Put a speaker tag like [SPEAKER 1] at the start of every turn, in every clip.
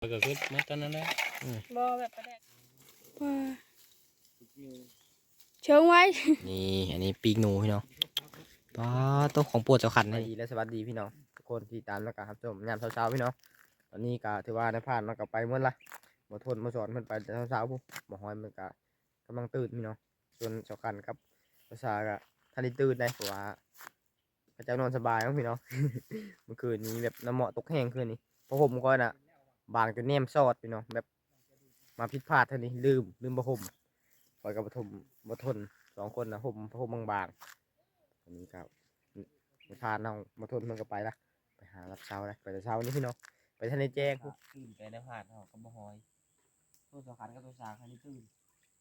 [SPEAKER 1] ก็คือมาตอนนั้นแหละ
[SPEAKER 2] บ่แบบประแดกเชิงไว้
[SPEAKER 3] นี่อันนี้ปีกหนูพี่น้องป้าตัวของโปวดเจ้าขันนะดีและสวัสดีพี่น้องทุกคนที่ตามแล้วก็ครับชมยามเช้าๆพี่น้องตอนนี้ก็ถือว่าในผ่านมันก็ไปเมื่อละมาทนมาสอนมันไปแต่เช้าๆปุ๊บมาหอยมันก็กำลังตื่นพี่น้องส่วนเจ้าขันครับภาษาก็ทันได้ตื่นได้เพราะว่าพระเจ้านอนสบายมั้งพี่น้อง เมื่อคืนนี้แบบน้ำเหมาะตกแห้งคืนนี้เพราะผมก็น่ะบางจนแนมซอดพี่น้องแบบมาผิดพลาดเท่านี้ลืมผ้าห่มคอยกับปฐม2 คนนะห่มผ้าห่มบางๆอันนี้ครับมาพาน้องมาทนมันก็ไปละไปหารับเช้าเลยไปแต่เช้านี้พี่น้องไปทะเลแจ้งตื่นไปในผ่านเขาก็บ่หอยตัวสำคัญก็ตัวสาคันนี้ตื่น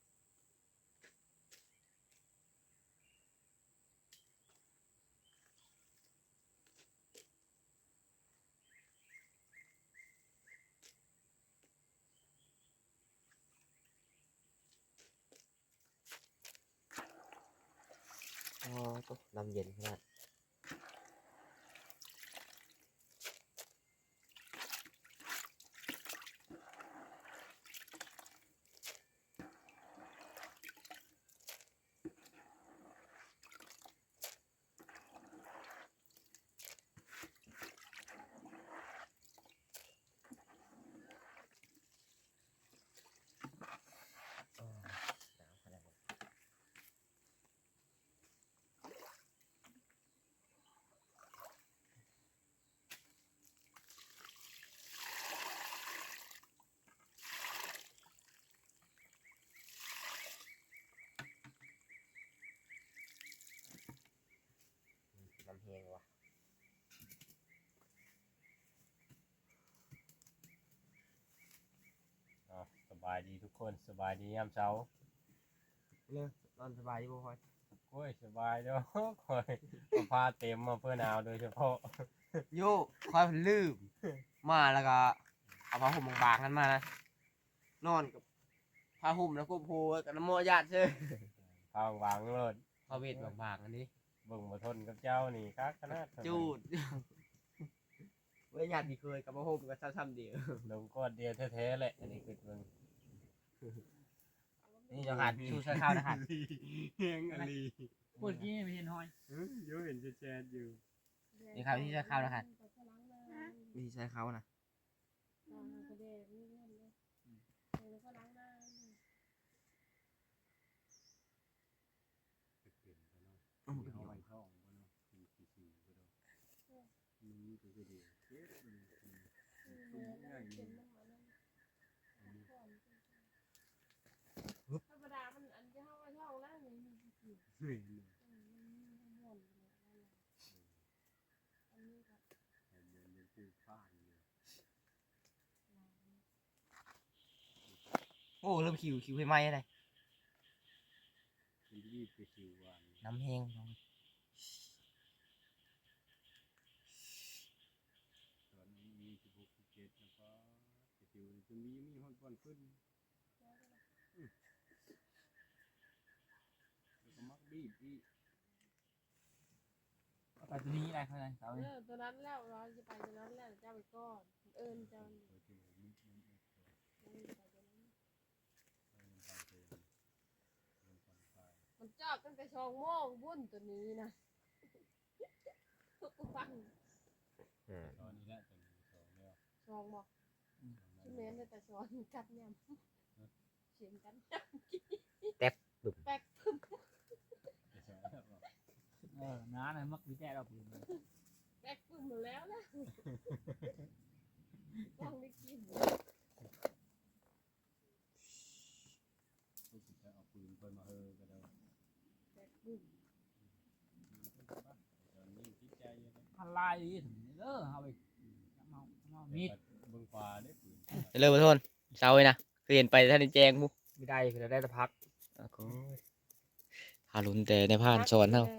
[SPEAKER 3] อ๋อตัวน้ำเย็นขนาดน้ำเฮงวะ
[SPEAKER 1] สบายดีทุกคนสบายดียามเช้า
[SPEAKER 3] เนี่ยนอนสบายดีบ่พอย
[SPEAKER 1] โอ้ยสบายเด้อคอยเอาผ้าเต็มมาเพื่อหนาวโดยเฉพาะ
[SPEAKER 3] โย่คอยลืมมาแล้วก็เอาผ้าห่มบางๆกันมานะนอนกับผ้าห่มแล้วก็โพกับน้ำมันญาติเช่
[SPEAKER 1] ผ้าวางเลย
[SPEAKER 3] ผ้าเวทบางๆอันนี้
[SPEAKER 1] เบิ่งมาทนกับเจ้านี่ครับขนาด
[SPEAKER 3] จูดเว้ยญาติที่เคยกับผ้าห่มก็ซ้ำๆเดียว
[SPEAKER 1] ลงก้อนเดียวแท้ๆแหละอันนี้คือเบิ่ง
[SPEAKER 3] นี่จะหัดชูใช้ข้าวนะหัด
[SPEAKER 1] เฮงอลี
[SPEAKER 2] ปวดกี้ไม่เห็นหอย
[SPEAKER 1] อยู่เห็นแชทอยู่
[SPEAKER 3] นี่ครับที่ใช้ข้าวนะหัดวิธีใช้ข้าวนะ
[SPEAKER 2] ธรรมดามันอันที่ห้องช่องแล้วนี่
[SPEAKER 3] โอ้เริ่มคิวให้ไหมอะไรน้ำแห้ง
[SPEAKER 2] ไปตัวนี้อะไรเขาเลยตัวนั้นแล้วเราจะไปตัวนั้นแล้วเจ้าไปก้อนเอิญเจ้ามันจอดตั้งแต่2 โมงบุ่นตัวนี้นะฟัง
[SPEAKER 1] ตอนนี้แหละตัวนี้
[SPEAKER 2] 2บอกชื่อเมนแต่สอนกัดยำเสียงกันยำ
[SPEAKER 3] แป๊บบึ้ม
[SPEAKER 2] แป๊กพึ่ม
[SPEAKER 4] น้าเนี่ยมักวิจัยเราปืน
[SPEAKER 2] แป๊กพึ่มหมดแล้วนะต้องได้กิน
[SPEAKER 1] เอาปืนเพิ่นมาเฮอก็ได้
[SPEAKER 2] แป๊กพึ่ม
[SPEAKER 4] พันลายอีถึงเด้อเอาไปเอามีด
[SPEAKER 1] เบิ่งฟ้าได้ปืน
[SPEAKER 3] เริ่มมาทนเช้าเลยนะเปลี่ยนไปท่านแจ้งมุไม่ได้คือได้แต่พักก็หาลุ้นแต่ในผ่านสอนเท่า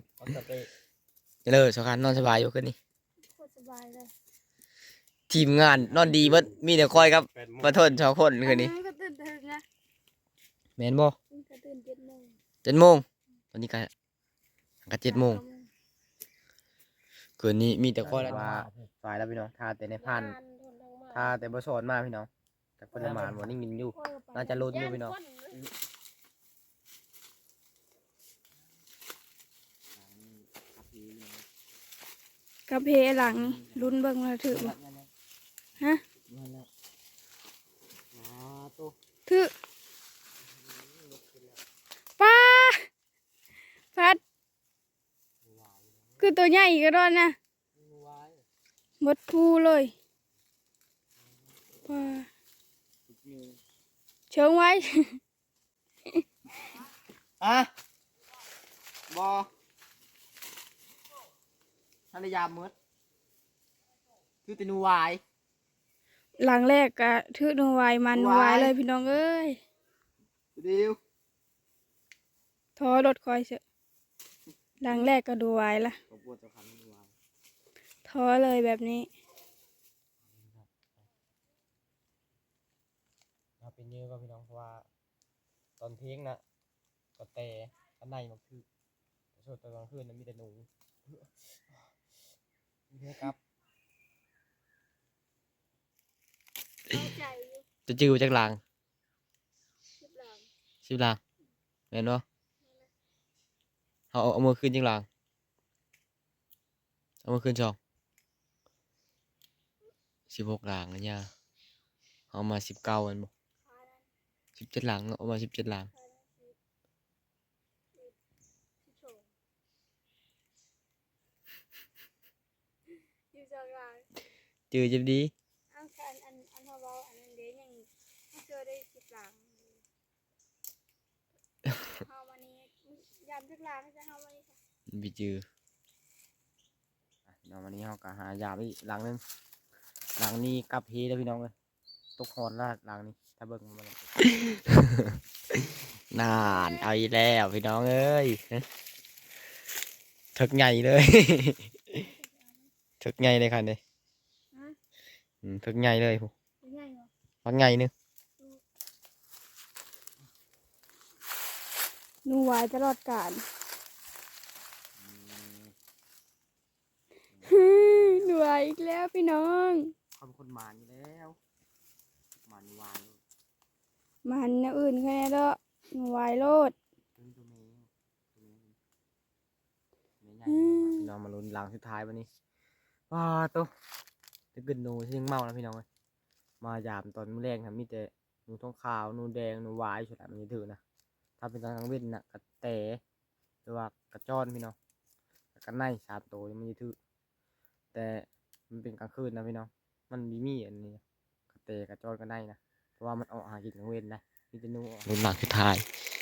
[SPEAKER 3] เลยสำคัญนอนสบายอยู่ขึ้นนี่
[SPEAKER 2] สบายเลย
[SPEAKER 3] ทีมงานนอนดีเบิดมีแต่คอยครับมาทน2 คนคืนนี้แมนบ่7 โมงตอนนี้ก็7 โมงคืนนี้มีแต่คอยแล้วว่าฝ่ายแล้วพี่น้องทาแต่ในผ่านถ้าแต่บ่สอนมาพี่น้องจากปริมาณบ่นิ่งๆอยู่ น่าจะลุ้นอยู่พี่น้อง
[SPEAKER 5] กระเพหลังนี่ลุ้นเบิ่งว่าถือบ่ฮะถือป้าพัดคือตัวใหญ่ก็ดอนนะหมดภูเลยป้าเชิงไว้
[SPEAKER 3] อะบอทันได้ยามมืดคือแต่หนูวาย
[SPEAKER 5] หลังแรกก็ถือหนูไว้มันหนูไว้เลยพี่น้องเอ้ย
[SPEAKER 3] เดียว
[SPEAKER 5] ทอรถคอยเสอะหลังแรกก็ดูไว้ละ
[SPEAKER 3] ผมปวดจะขันหนูวาย
[SPEAKER 5] ทอเลยแบบนี้
[SPEAKER 3] เราเป็นเยอะก็พี่น้องเพราะว่าตอนเที่ยงนะก็แต่ข้างในมันคือส่วนตอนกลางคืนนั้นมีแต่หนูมีแค่ครับจะจื้อจากหลังสิบหลังเห็นบ่เอามือขึ้นจากหลังเอามือขึ้น16หลังนะเนี่ยเอามา19อันบ่17หลังเอามา17หลังจื้อจะดี
[SPEAKER 5] อันเขาเว้าอันนั้นเด้ยังไม่เจอได้10 หลังเฮาวันนี้ยามจักหลังจะเฮาวันนี้ค่ะ
[SPEAKER 3] bị trừ nó mà đi học cả hai giảm đi làng lên làng ni cặp hí đóพี่น้องเลยตกหอนละลางนี้ถ้าเบิ่งมัน นานเอาอีกแล้วพี่น้องเอ้ยถึกใหญ่เลย ถึกใหญ่เลยค่ะเนี่ยถึกใหญ่เลยพักใหญ่นึง
[SPEAKER 5] หนูไว้ตลอดกาลหนูไว้อีกแล้วพี่น้อง
[SPEAKER 3] เขาเป็นคนหมานอยู่แล้วหมานวาน
[SPEAKER 5] มันแนวอื่นแค่นี้เด้อหนูไว้โลด
[SPEAKER 3] ตัวเมย์พี่น้องมาลุ้นหลังสุดท้ายวันนี้ว้าตัวจะกินหนูที่ยังเมานะพี่น้องเลยมายามตอนมื้อแรงครับมีแต่หนูทองขาวหนูแดงหนูวายสุดละมันจะถือนะถ้าเป็นตอนกลางเว้นน่ะกระแตหรือว่ากระจ้อนพี่น้องกระไน3 ตัวมันจะถือแต่มันเป็นกลางคืนนะพี่น้องมันมีอันนี้กระแตกระจ้อนกระไนนะเพราะว่ามันออกหากินกลางเว้นนะมีแต่หนูลุ้นหลังสุดท้าย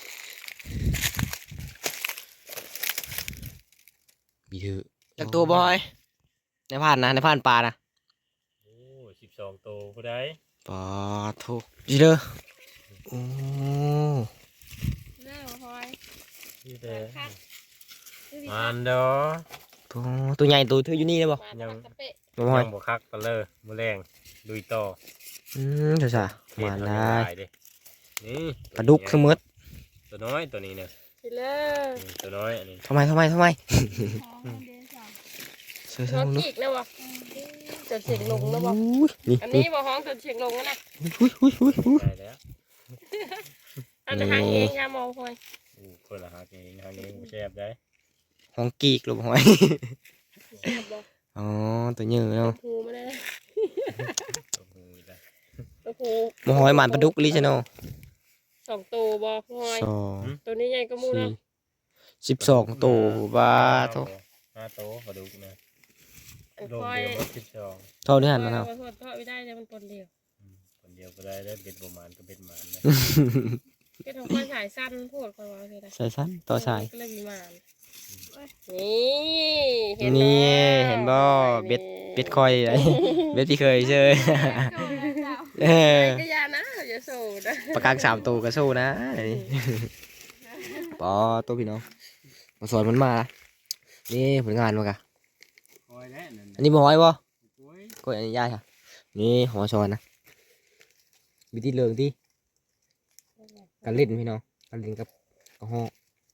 [SPEAKER 3] มีถือจากตัวบอยในผ่านนะในผ่านปลานะ
[SPEAKER 1] โอ้12ตัวผู้ใด
[SPEAKER 3] ปลาทุกจีเด้อโอ้
[SPEAKER 2] เลิกพอย
[SPEAKER 1] ที่แต่
[SPEAKER 2] คัด
[SPEAKER 1] มันเด้อ
[SPEAKER 3] ตัวใหญ่ตัวถืออยู่นี่ได้บ่
[SPEAKER 2] มาตะเปะ
[SPEAKER 3] บ่ห้อย
[SPEAKER 1] ยังบ่คักกันเลยมื้อแรงลุยต่อ
[SPEAKER 3] เดี๋ยวจ้ะ
[SPEAKER 1] เฮ็
[SPEAKER 3] มา
[SPEAKER 1] เอ
[SPEAKER 3] ได้
[SPEAKER 1] เด้นี่
[SPEAKER 3] ปลาดุกคือมืด
[SPEAKER 1] ตัวน้อยตัวนี้เนี่ย
[SPEAKER 2] สิเลิก
[SPEAKER 1] ตัวน้อยอันนี้
[SPEAKER 3] ทำไม
[SPEAKER 5] อ๋อเดซ่า
[SPEAKER 3] เสือ
[SPEAKER 2] ห้อง
[SPEAKER 3] ลูก
[SPEAKER 2] กีกแล้ววะจนเสียงลงแล้ววะ
[SPEAKER 3] นี่
[SPEAKER 2] อันนี้บ่ห้องจนเสียงลงแล้วนะ
[SPEAKER 1] ได้แล้ว
[SPEAKER 2] อันนี้หางเองค่ะมองพอย
[SPEAKER 1] อู้เพิ่นละหาเองหาเองบ่แซ่บได้
[SPEAKER 3] ของกีกลูกห้อย
[SPEAKER 2] เสียบบ่
[SPEAKER 3] อ๋อตัวเยอะเนาะ
[SPEAKER 2] หูมาได้
[SPEAKER 1] ตัวหูอีกแล้ว
[SPEAKER 2] ตัวหู
[SPEAKER 3] บ่ห้อยหมันปลาดุกลิซะเนาะ
[SPEAKER 2] 2 ตัวบ่พอย
[SPEAKER 3] 2
[SPEAKER 2] ตัวนี้ใหญ่ก็มูแล้ว
[SPEAKER 3] 12ตัวบาท
[SPEAKER 1] 5ตัวปลาดุกนะ
[SPEAKER 2] อัน
[SPEAKER 1] โล
[SPEAKER 2] พ
[SPEAKER 1] ก
[SPEAKER 2] อย
[SPEAKER 1] เดียวบ่คิดชอง
[SPEAKER 3] เท่านี้หันมาเนาะ
[SPEAKER 2] พอยทอดไม่ได้แต่มันตนเดียว
[SPEAKER 1] คนเดียวก็ได้แล้วเบ็ดบ่หมานก็เบ็ดหมานนะ
[SPEAKER 2] เป็นของคนสายสั้นพูดคนว่าคืออะไร
[SPEAKER 3] ใส่สั้นต่อสาย
[SPEAKER 2] ก็เลยมีมานนี่เห็น
[SPEAKER 3] นี่
[SPEAKER 2] แล้ว
[SPEAKER 3] เห็นบ่เบ็ดคอยเลยเบ็ดที่เคยเจอเออ
[SPEAKER 2] ก็ยานะอย่าสูดนะ
[SPEAKER 3] ปากกาง3 ตัวก็สู้นะปอตัวพี่น้องมาสอนมันมาละนี่ผลงานมากะ
[SPEAKER 1] คอยแล้วนั่น
[SPEAKER 3] อันนี้บ่ห้อยบ่
[SPEAKER 1] โอ้ย
[SPEAKER 3] ก็อันนี้ยายค่ะนี่หัวสอนนะวิธีเลิงที่การเล่นพี่น้องการเล่นกับกระห้อง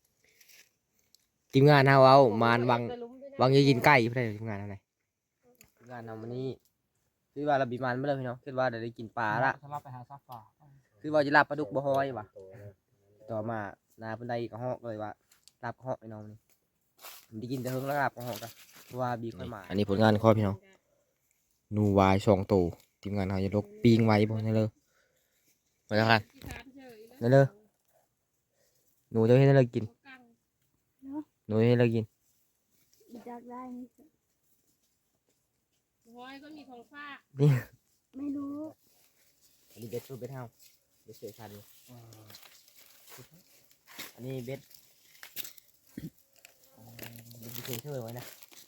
[SPEAKER 3] ทีมงานเอาวางยายินใกล้เพื่อนทีมงานอะไรทีมงานทำวันนี้คือว่าเราบีมันไม่เลยพี่น้องคือว่าได้กินปลาละ
[SPEAKER 4] ถ้าเราไปหาซักปลา
[SPEAKER 3] คือว่าจะลาบปลาดุกบ่ฮอยว่ะต่อมานาเพิ่นได้กระหอกเลยว่าลาบกระหอกไอ้น้องนี่มันได้กินแต่เฮิงแล้วลาบกระหอกกันเพราะว่าบีค่อยมาอันนี้ผลงานข้อพี่น้องนูวาย2ตัวทีมงานเขาจะลกปิ้งไว้บ่ได้เลยมาแล้วกันนั่นเลยหนูจะให้เรากินหนูจะให้เรากิน
[SPEAKER 5] อยากได้นี่
[SPEAKER 2] ห้อยก็มีทองฟ้า
[SPEAKER 3] นี่
[SPEAKER 5] ไม่รู้
[SPEAKER 3] อันนี้เบ็ดเฮาเบ็ดเสือชันอันนี้เบ็ดเบ็ดเฉยๆไว้นะ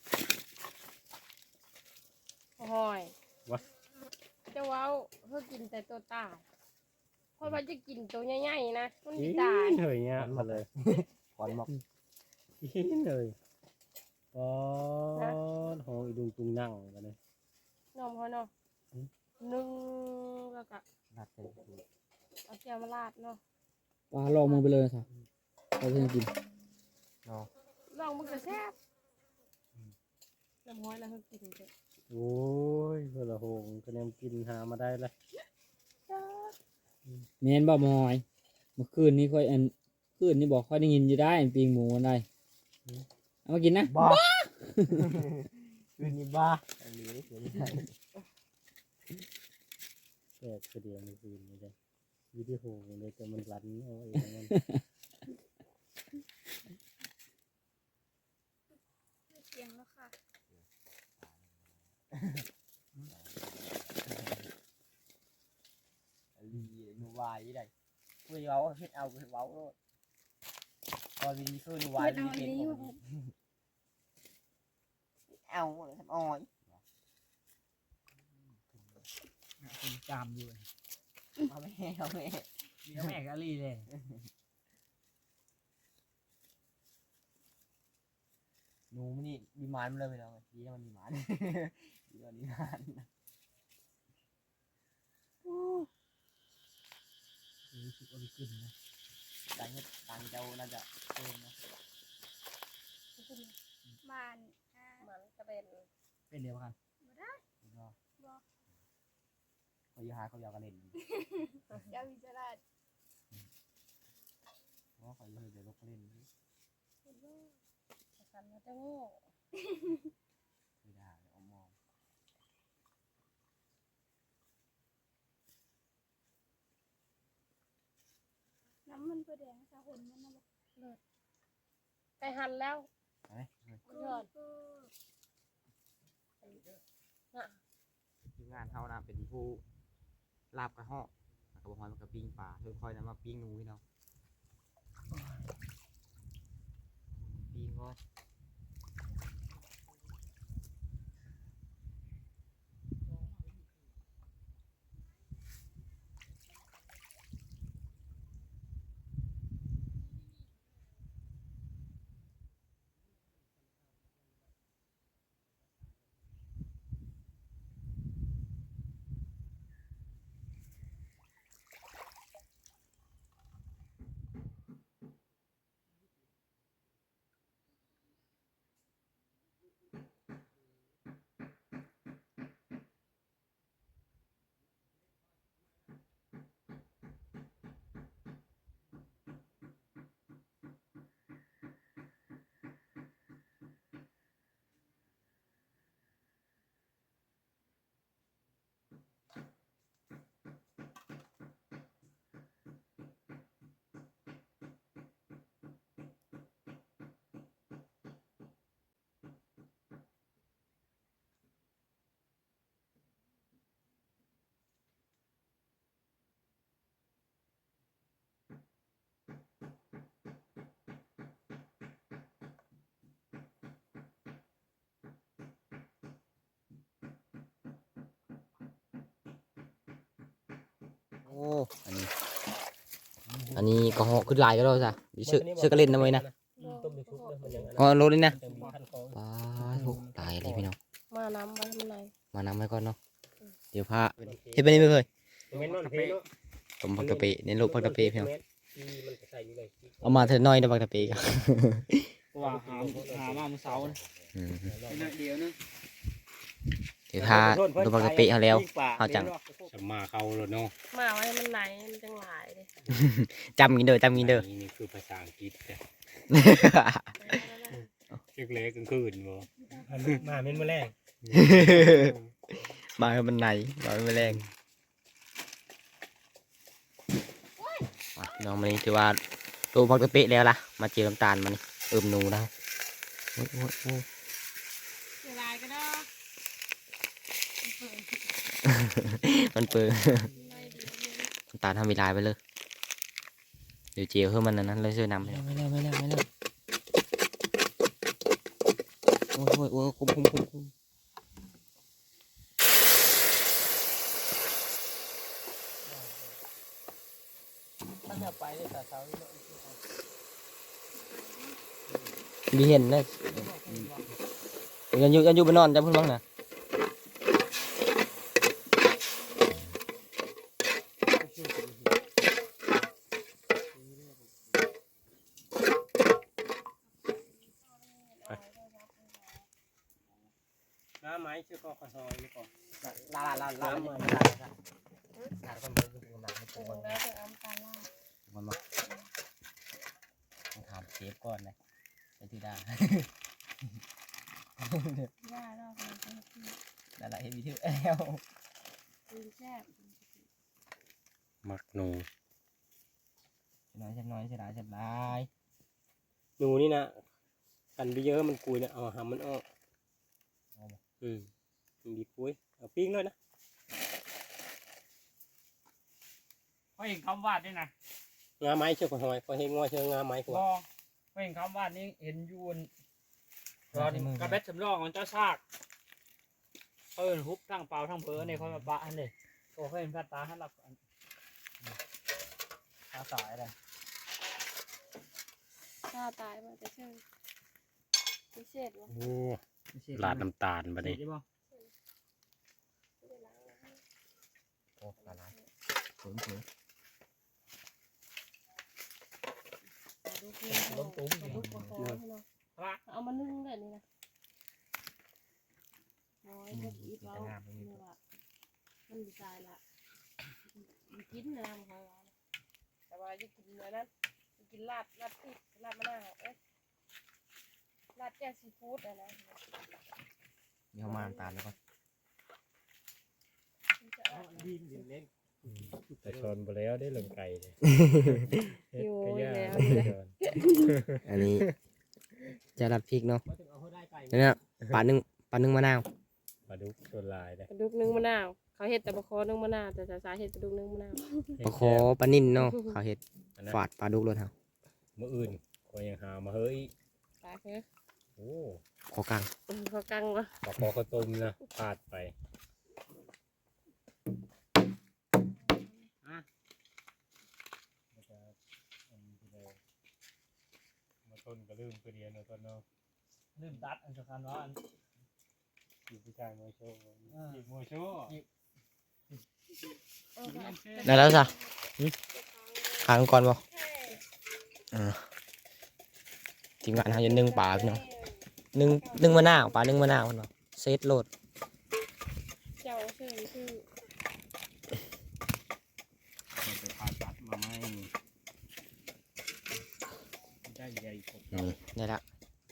[SPEAKER 2] ห้อยจะว้าวเพื่อกินแต่ตัวตายเพราะว่าจะกินตัวใหญ่ๆนะมันไม่ตาย
[SPEAKER 1] เฮ้ยเนี่ยมาเลย
[SPEAKER 3] ขอนหมอก
[SPEAKER 1] กินเลยอ๋อโหอีดุงตุงนั่งกันเลย
[SPEAKER 2] นมเขาเนาะนึ่งแล้วก็
[SPEAKER 3] นัดเต็ม
[SPEAKER 2] เอาแก้วมาราดเนาะ
[SPEAKER 4] ปลาลองมือไปเลยสิเราจะกิน
[SPEAKER 3] เนาะ
[SPEAKER 2] ลองมันก็แซ่บน้ำห้อยแล้วเขากินเถอะ
[SPEAKER 1] โอ้ยเพื่อละโหงก็ยังกินหามาได้เลย
[SPEAKER 4] เมียนบ่มอยเมื่อคืนนี้ค่อยคืนนี้บอกค่อยได้ยินอยู่ได้ปีงหมูกันได้เอามากินนะ
[SPEAKER 3] บ้าคืนนี้บ้าอันนี้คืนนี้
[SPEAKER 1] แตกเสียงมันคืนนี่เลยวิดีโอเลยแต่มันรันเอาเองมัน
[SPEAKER 5] เสียงแล้วค่ะ
[SPEAKER 3] ลีนูวายได้คุยเว้าเฮ็ดเอาเฮ็ดเว้าโลดตอนนี้คือนูวายมีเป็นเอาทำอ้อย
[SPEAKER 4] จามอยู่
[SPEAKER 3] เอาแม่เอาแม่
[SPEAKER 4] เดี๋ยวแม่กะลีเลย
[SPEAKER 3] หนูมันนี่มีหมานมาเลยไปแล้วดีนะมันมีหมานดีแล้วมีหมาน
[SPEAKER 4] รู้สึกว่าขึ้นนะ
[SPEAKER 3] ตังตังเจ้าน่าจะเพิ่มนะ
[SPEAKER 5] บ้าน
[SPEAKER 2] มันก็เป็น
[SPEAKER 4] เป็นเดียวกัน
[SPEAKER 3] ก็เขาอยู่หาเขาอยากกันเล่น
[SPEAKER 5] ยาวิจารณ์
[SPEAKER 3] เพราะเขาอยู่เดี๋ยวลูกเล่น
[SPEAKER 2] สันมันจะโง่
[SPEAKER 3] ไม่ได้เอามอง
[SPEAKER 5] น้ำมันเพื่อแดงสะหนมันนะบอก
[SPEAKER 2] ไปหันแล้ว
[SPEAKER 3] เฮ้ย
[SPEAKER 2] ยอด
[SPEAKER 3] ทีมงานเขานะเป็นผู้ลาบกระหอกแล้วก็บอกว่ามันก็ปิ้งปลาค่อยๆนะมาปิ้งหนูพี่น้องปิ้งก็ โอ้อันนี้ก็หอกขึ้นลายก็ได้จ้ะเสื้อกระเล่นนะเว้ยนะ
[SPEAKER 1] ต้มในชุบเลยมันอย่างนั้น
[SPEAKER 3] อ๋อรถนี่นะ
[SPEAKER 1] จะมีขั้นของ
[SPEAKER 3] ว้าวตายเลยพี่น้อง
[SPEAKER 2] มาน้ำไว้ข้างใน
[SPEAKER 3] มานำไว้ก่อนเนาะเดี๋ยวพาเฮ็ดไปนี่ไม่เคย
[SPEAKER 1] เมนนอนเพเนาะ
[SPEAKER 3] ต้มผักตะเปะเน้นลูกผักตะเปะพี่น้อง
[SPEAKER 1] ที่มันใส่อยู่เลย
[SPEAKER 3] เอามาเถอะน้อยนะผักตะเปะกัน
[SPEAKER 4] เพราะว่าหามาเมื่อเช้า
[SPEAKER 3] อืม
[SPEAKER 4] เดียวนึง
[SPEAKER 3] เดี๋ยวถ้าดูปกติเขาแล้วเขาจัง
[SPEAKER 1] จะมาเข้าแล้วเนาะ
[SPEAKER 2] มาไว้มันไหนมันจังหลายเลย
[SPEAKER 3] จำกินเด้อจำกินเด้อ
[SPEAKER 1] นี่คือภาษาอังกฤษจ้ะเล็กๆกลางคืนบ่มาเม่นมื้อแรง
[SPEAKER 3] มาให้มันไหนมาให้มันแรงน้องมันนี่ถือว่าตัวปกติแล้วล่ะมาเจอน้ำตาลมันหนูได้โอ้ย
[SPEAKER 2] เสียดายก็ได้
[SPEAKER 3] มันเปิดน้ำตาลทำเวลาไปเลยเดี๋ยวเจียวเพิ่มมันนั้นเลยช่วยนำไม่แล้วโอ้ยคุ้มมีเห็นเลยยันอยู่ไปนอนจำเพิ่งบ้างนะ
[SPEAKER 1] น้าไม้ชื่อก็ขอซอยนี่ก่อน
[SPEAKER 3] ลาคนเบอร์คือมัน
[SPEAKER 2] ตัวมึงได้จะเอาตาล่า
[SPEAKER 3] มันมาถามเชฟก่อนนะไปที่ดา
[SPEAKER 2] ย่าเราเป็นคนที่
[SPEAKER 3] อะไรให้มีที่แอล
[SPEAKER 2] กินแซ่บ
[SPEAKER 1] มักหนู
[SPEAKER 3] ฉันน้อยเสียดาย
[SPEAKER 1] หนูนี่นะกันไปเยอะมันกุยนะเอาหามันออกมันดีกุยเอาปิ้งเลยนะ
[SPEAKER 4] เขาเห็นคำวาดนี่นะ
[SPEAKER 1] งาไม้เชื่อขอหอยขอเฮงงอเชื่องาไม้กว่า
[SPEAKER 4] เขาเห็นคำวาดนี่เห็นยูนตอนกระเบ็ดสำรองของเจ้าซากเขาเห็นฮุบทั้งเปล่าทั้งเผลอในเขามาปะอันนี้ก็เขาเห็นพัดตาให้รับตาสายเลย
[SPEAKER 2] หน้าตายมาจะเชื่อพิเศษวะ
[SPEAKER 1] โอ้ลาดน้ำตาลบัดนี้
[SPEAKER 3] โอ้ละลายสวย
[SPEAKER 2] ลูกปลาคอให้เนาะเอามานึ่งเลยนี่นะน้อยก็อีกแล้วนี่ว่ามันดีใจละกินนะของเราแต่ว่าจะกินเนื้อนั้นกินลาดพริกลาดมะนาวลาดแจ่วซีฟู้ดนะ
[SPEAKER 3] นี่เขามาน้ำตาลแล้วก็
[SPEAKER 1] แต่ชนไปแล้วได้เหลืองไก่เลย
[SPEAKER 2] อยู่แล้ว
[SPEAKER 3] อันนี้จะรับพริกเนาะนี่ปลานึ่งมะนาว
[SPEAKER 1] ปลาดุกตัวลายเลย
[SPEAKER 2] ปลาดุกนึ่งมะนาวเขาเห็ดแต่ปลาคอนึ่งมะนาวแต่สาเห็ดปลาดุกนึ่งมะนาว
[SPEAKER 3] ปลาโคปลานิ่นเนาะเขาเห็ดฝาดปลาดุกรถเฮา
[SPEAKER 1] มื้ออื่นก็ยังหามาเฮ้ย
[SPEAKER 2] ปลาคือ
[SPEAKER 1] โอ้
[SPEAKER 3] โคกัง
[SPEAKER 2] เขากังวะ
[SPEAKER 1] ปลาคอข้าวต้มนะพลาดไปมาต้นก็ลืมไปเรียนเอาต้นเนาะ
[SPEAKER 4] ลืมตัดอันสำคัญว่าอัน
[SPEAKER 1] อยู่ที่ชายมวยโชว์อีกมวยโชว์
[SPEAKER 3] ได้แล้วจ้ะขาลงก่อนบ่ทีมงานเขาจะนึ่งปลาพี่น้องนึ่งมะนาวปลานึ่งมะนาวเนาะเซตโหลด
[SPEAKER 2] เจ้าชื่อ
[SPEAKER 1] ไปผ่าตัดมาไม่ได้ใหญ่กว่า
[SPEAKER 3] นี่ได้ละ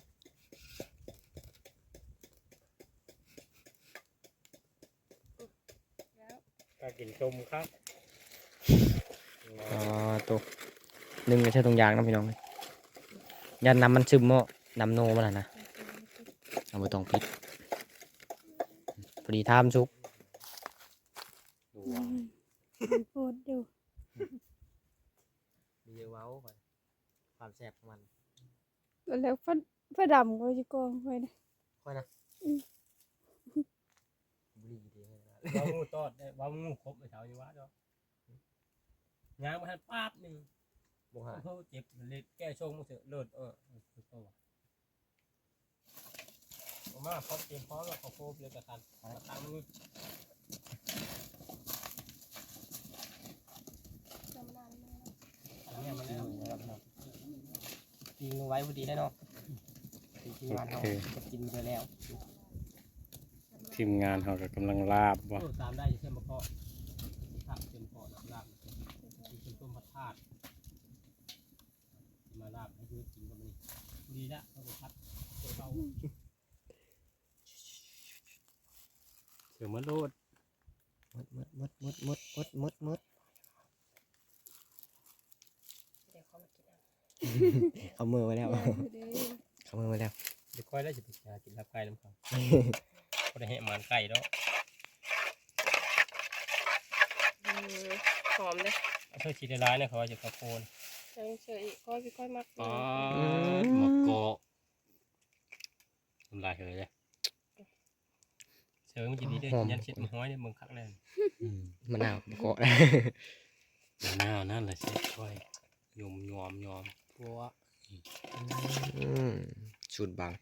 [SPEAKER 1] ก็กินส้มครับ
[SPEAKER 3] ตัวนึ่งไม่ใช่ตรงยางนะพี่น้องยันน้ำมันซึมเนาะน้ำโนมันนะเอาไปตรงพิษพอดีทามซุก
[SPEAKER 5] โพดอยู่
[SPEAKER 3] มีเว้าความแซ่บของมัน
[SPEAKER 5] แล้วฟ้าดำก็จะกองไว้นะ
[SPEAKER 3] ค่อยนะบุรีดีเลย
[SPEAKER 1] ว่างูตอดได้ว่างูครบเลยเช้าอยู่วะเจ้าย่างมาทันป๊าบหนึ่ง
[SPEAKER 3] บุหา
[SPEAKER 1] เพิ่งเจ็บเลยแก้ชงมาเถอะเลิศคือตัวผมว่าพร้อมเตรียมพร้อมแล้วเขาโคบเลยกระทันตั้งมือ
[SPEAKER 2] จำนานมาก
[SPEAKER 1] เนี่ยมันแล้วนะครับ
[SPEAKER 3] ยิงไว้พอดีได้เนาะทีมงานเราจะกินไปแล้ว
[SPEAKER 2] จำนาน
[SPEAKER 1] ทีมงานเขาก็กำลังลาบบ่ตามได้ใช่ไหมพ่อลาบเป็นพ่อลาบเป็นต้มผัดทาดมาลาบให้ดูกินกันดีละเขาก็พัดเขาเสือมะโลดมด
[SPEAKER 2] เดี๋ยวเขามากินเอา
[SPEAKER 3] เอามือไว้แล้วเอามือไว้แล้ว
[SPEAKER 1] เดี๋ยวค่อยได้จะไปกินลาบไก่น้ำเขาก็ได้ให้มันไก่แล้ว
[SPEAKER 2] หอมเลย
[SPEAKER 1] เอาเสื้อชีดร้ายเนี่ยเขาจะกระโปน
[SPEAKER 2] เฉยๆก้อยพี่ก้อยมาก
[SPEAKER 1] อ๋อหมกโกทำลายเลยเสือมันจะดีด้วยยันชิดมันห้อยเนี่ยมึงคักเลย
[SPEAKER 3] มะนาวเกาะ
[SPEAKER 1] มะนาวนั่นแหละสิค่อยยอมพวก
[SPEAKER 3] สูตรบาง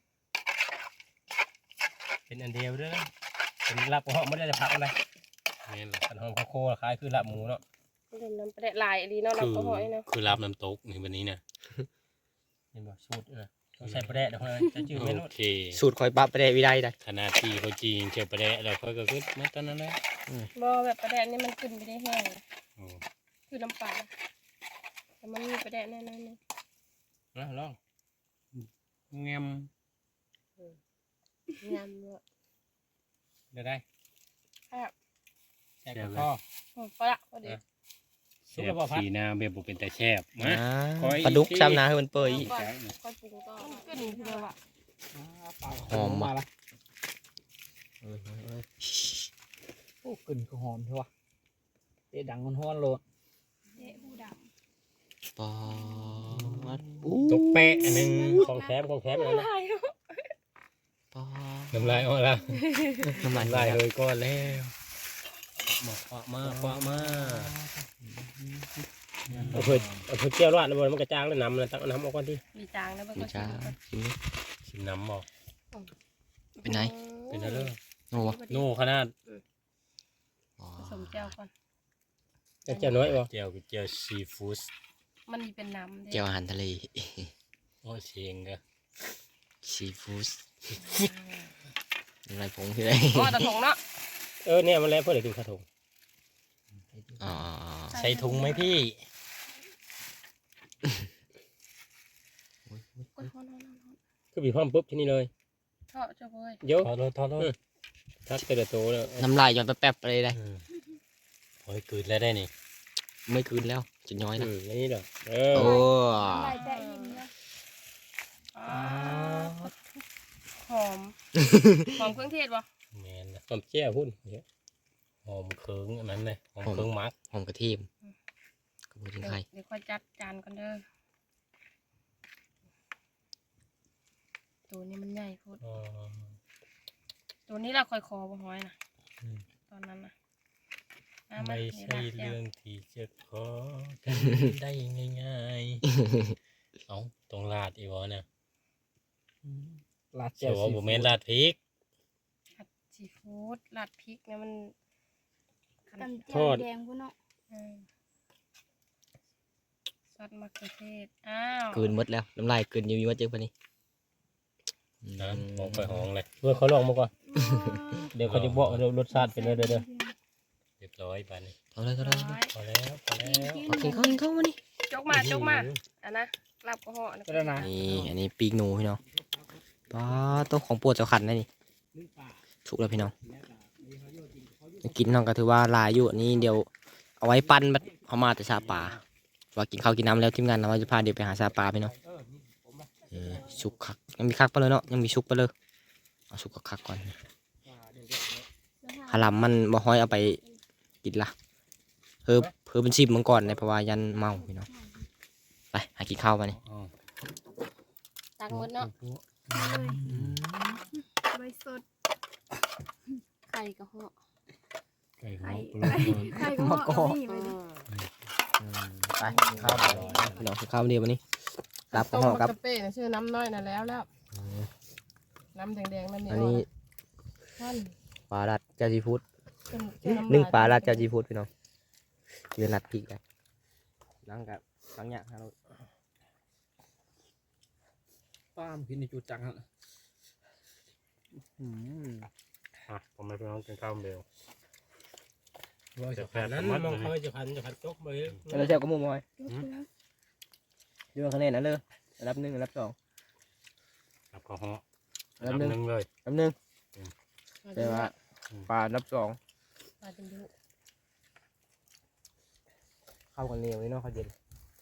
[SPEAKER 1] เป็นอันเดียวด้วยเป็นลาบกระเพาะไม่ได้พักอะไรนี่แหละกันหอมข้าวโพดคล้ายคือลาบหมูเนาะ
[SPEAKER 2] เล่นน้ำปลาลายดีเนาะเราก็หอยเนาะ
[SPEAKER 1] คือลาบน้ำตกในวันนี้นะเห็นบ่สูตรนะต้องใส่ปลาแดะเดี๋ยวจะจืดไม่รู้
[SPEAKER 3] สูตรคอยปั๊บไปได้วิได้ได้
[SPEAKER 1] ขนาดที่เขาจีนเชียวปลาแดะเราค่อยก็ขึ้นมาตอนนั้นแหละ
[SPEAKER 2] บ่แบบปลาแดดนี่มันขึ้นไปได้แห้งคือน้ำปลาแต่มันมีปลาแดดแน่ๆนี่
[SPEAKER 1] นะลองแงม
[SPEAKER 2] งามเลย
[SPEAKER 1] ได้
[SPEAKER 2] ครับ
[SPEAKER 1] แซ่บพ่อ
[SPEAKER 2] พอละพอดี
[SPEAKER 1] แซ่บสีน้ำแบบบุเป็นแต่แซ่บมา
[SPEAKER 3] ปลาดุกซ้ำนะให้มันเปื่อย
[SPEAKER 2] ก่อนก่อนปรุงก็ขึ้นคือแบบว่า
[SPEAKER 3] หอมมาละ
[SPEAKER 4] โอ้กลิ่นก็หอมใช่ปะเตะดังมันฮ้อนโลด
[SPEAKER 5] เจ๊ผู้ด
[SPEAKER 3] ปอด
[SPEAKER 1] ตกแปะอันนึงของแถมอะไรนะ
[SPEAKER 3] ปอด
[SPEAKER 1] น้ำลายออกแล้ว
[SPEAKER 3] น้ำมัน
[SPEAKER 1] น้ำลายเลยก้อนแล้วคว้ามาเอาเพื่อเจียวราดแล้วมันกระจางแล้วน้ำเลยตักน้ำออกก่อนที่
[SPEAKER 2] มีจางนะเบิ่ง
[SPEAKER 3] มี
[SPEAKER 2] ก็
[SPEAKER 3] จ้าชิมดิ
[SPEAKER 1] ชิมน้ำบอก
[SPEAKER 3] เป็นไง
[SPEAKER 1] เป็นอะไร
[SPEAKER 3] โน่วะ
[SPEAKER 1] โน่ขนาด
[SPEAKER 2] ผสมแจ่วก่อน
[SPEAKER 1] เจียวน้อยบ่เจียวซีฟู้ด
[SPEAKER 2] มันมีเป็นน้ำ
[SPEAKER 3] เจียวอาหารทะเล
[SPEAKER 1] โอ้เชียงเด้อ
[SPEAKER 3] ซีฟู้ดอะไรผงที่ไหน
[SPEAKER 2] อ๋อตะถงเนาะ
[SPEAKER 1] เนี่ยมันแล้วเพื่อกินข้าวถุง
[SPEAKER 3] อ๋อ
[SPEAKER 1] ใส่ถุงไหมพี่ คือบีบพร้อมปุ๊บที่นี่เลย
[SPEAKER 2] ทอดเจ้าเว้ย
[SPEAKER 1] ยกทอดทักเตะโตเลย
[SPEAKER 3] น้ำลายย้อนแป๊บๆไปเลยได้
[SPEAKER 1] โอ้ยกืนแล้วได้นี่
[SPEAKER 3] ไม่คืนแล้วจะย้อยนะ
[SPEAKER 1] นี่เด้อ
[SPEAKER 3] โอ้
[SPEAKER 5] ำลายแต่อิ่มเลย
[SPEAKER 2] หอมหอมเครื่องเทศป่ะ
[SPEAKER 1] แมนหอมเจียวพุ่นหอมเคืองอันนั้นเลยหอมเคืองมัก
[SPEAKER 3] หอมกระเทียมกระเทียมไทย
[SPEAKER 2] เดี๋ยวค่อยจัดจานกันเด้อตัวนี้มันใหญ่พูดตัวนี้เราค่อยคอบ่ห้อยนะตอนนั้นนะ
[SPEAKER 1] ไม่ใช่เรื่องที่จะขอกันได้ง่ายๆเอาตรงลาดอีวะเนี่ย
[SPEAKER 4] ลาด
[SPEAKER 1] เจ้าว่าบุเมนลาดพริก
[SPEAKER 2] ผัดซีฟู้ดราดพริกเนี่ยมัน
[SPEAKER 5] ตำแจ่
[SPEAKER 1] ท
[SPEAKER 5] ว
[SPEAKER 1] อด
[SPEAKER 5] แดงพุ่นเนาะ
[SPEAKER 2] ซอสมะเขือเทศอ้าว
[SPEAKER 3] คืนหมดแล้วน้ำลายคืนอยู่ว่าเจอปะนี่
[SPEAKER 1] นะมองไปห้องเลยเพื่อเขาลองมาก่อนเดี๋ยวเขาจะบอกรสชาติเป็นเด้อเรียบร้อยไปนี่
[SPEAKER 3] เอาเลย
[SPEAKER 2] ร้อย
[SPEAKER 1] พอแล้ว
[SPEAKER 3] เอากินข้าวมานี่
[SPEAKER 2] จกมาอันนะลาบกระเหาะนะ
[SPEAKER 4] ก็ได้นะ
[SPEAKER 3] นี่อันนี้ปีกหนูพี่น้องป้าต้มของโปวดเจ้าขันนะนี่สุกแล้วพี่น้องกินน้องก็ถือว่าหลายอยู่อันนี้เดี๋ยวเอาไว้ปั้นบัดเอามาแต่ซาปลาว่ากินข้าวกินน้ำแล้วทีมงานเราจะพาเดี๋ยวไปหาซาปลาพี่น้องสุกคักยังมีคักไปเลยเนาะยังมีสุกไปเลยเอาสุกคักก่อนหาลำมันบ่ห้อยเอาไปกินละเพิ่มเป็นชิมมันก่อนในเพราะว่ายันเมาพี่น้องไปหากินข้าวมานี่
[SPEAKER 2] ตักหมดเนาะ
[SPEAKER 5] ใบสด
[SPEAKER 2] ไข่กระเหาะ
[SPEAKER 1] ไก่
[SPEAKER 5] ไข่
[SPEAKER 1] หัว
[SPEAKER 5] ไข่ก็เหมาะกับนี่ไปดิ
[SPEAKER 3] ไปกินข้าวพี่น้องกินข้าวเดียววันนี้รับกับห่อครับ
[SPEAKER 2] ต้มมะเขือเป้นะชื่อน้ำน้อยน่ะแล้วน้ำแดงๆนั่นนี่
[SPEAKER 3] อันนี้
[SPEAKER 2] ท่าน
[SPEAKER 3] ปลาลัดเจ้าจีฟูด
[SPEAKER 2] ชื่อำ
[SPEAKER 3] นึ่งปลาลัดเจ้าจีฟูดพี่น้องเรียนลัดพริกได้นั่งกับทั้งอย่างครับ
[SPEAKER 4] ป้ามกินในจุดจังฮะ
[SPEAKER 1] ผมไม่เป็นน้องกินข้าวเบล
[SPEAKER 6] ว่าจะพันนั้นมองเขาจะพันตกไป
[SPEAKER 3] แล้วเจ้าก็มุมมอย
[SPEAKER 5] ยกไปแล้ว
[SPEAKER 3] เรื่องคะแนนนั่นเลยอันดับ1อันดับ2
[SPEAKER 1] ครับข้าวห่อ
[SPEAKER 3] อันดับหนึ่ง
[SPEAKER 1] หนึ่งเลย
[SPEAKER 3] อันดับ1แต่ว่าปลาอันดับ2
[SPEAKER 2] ปลาจนดุ
[SPEAKER 3] เข้ากันเหนียวนี่เนาะเขาเย็น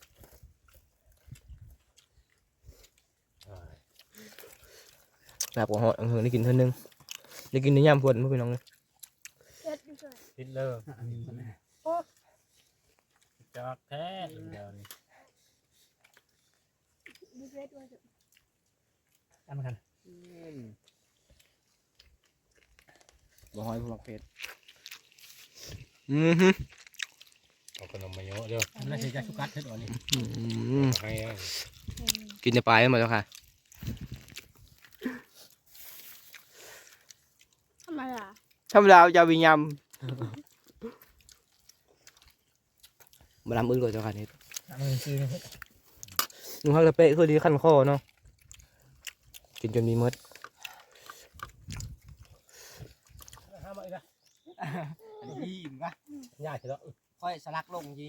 [SPEAKER 3] แบบหัวหอดได้กินเท่านึงได้กินในยามพวนพ่อพี่น้องเลย
[SPEAKER 5] เอ็ดอยู่ด้วย
[SPEAKER 1] ติดเลอร์จอกแท้เดี๋ยวนี้
[SPEAKER 5] ดูเอ็ดด้วย
[SPEAKER 4] จำกัน
[SPEAKER 3] บ่หอยพวกเพชร
[SPEAKER 1] เอาขนมมาเยอะเด้อ
[SPEAKER 6] น่าจะชุกัดเท่านี้
[SPEAKER 1] ให้อ่ะ
[SPEAKER 3] กินในปลายมาแล้วค่ะ
[SPEAKER 5] ทำไมล่ะ
[SPEAKER 3] ธรรมดาจะวิญญาณมาลำอึ้งเลยเจ้าค่ะนี่
[SPEAKER 4] มือซื้อ
[SPEAKER 3] นุ่งฮักกระเปะคือดีขั้นคอเนาะกินจนมีมด
[SPEAKER 6] ห้ามอีกละ
[SPEAKER 3] ยี่มปะ
[SPEAKER 6] ยากเถอะ
[SPEAKER 3] ค่อยสลักลงยี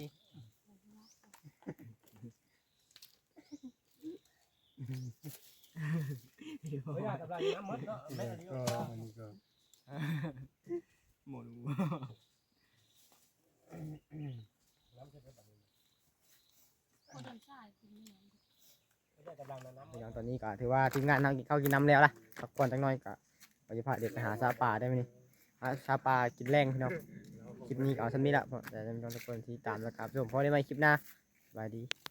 [SPEAKER 6] ไม่ยากกับไรน้ำมัดเนาะแม่ดีก็
[SPEAKER 3] หมด
[SPEAKER 2] คนทำชาติกินนี่
[SPEAKER 6] ไม่ได้กับไรน้ำ
[SPEAKER 3] อย่างตอนนี้ก็ถือว่าทีมงานทางเข้ากินน้ำแล้วล่ะพักผ่อนจักหน่อยก็ปฏิภาณเด็กไปหาซาปลาได้ไหมนี่หาซาปลากินแรงพี่น้องคลิปนี้ก็เอาชั้นนี้ละเพราะแต่จะมีทุกคนที่ตามแล้วครับส่วนพอได้ไหมคลิปหน้าสบายดี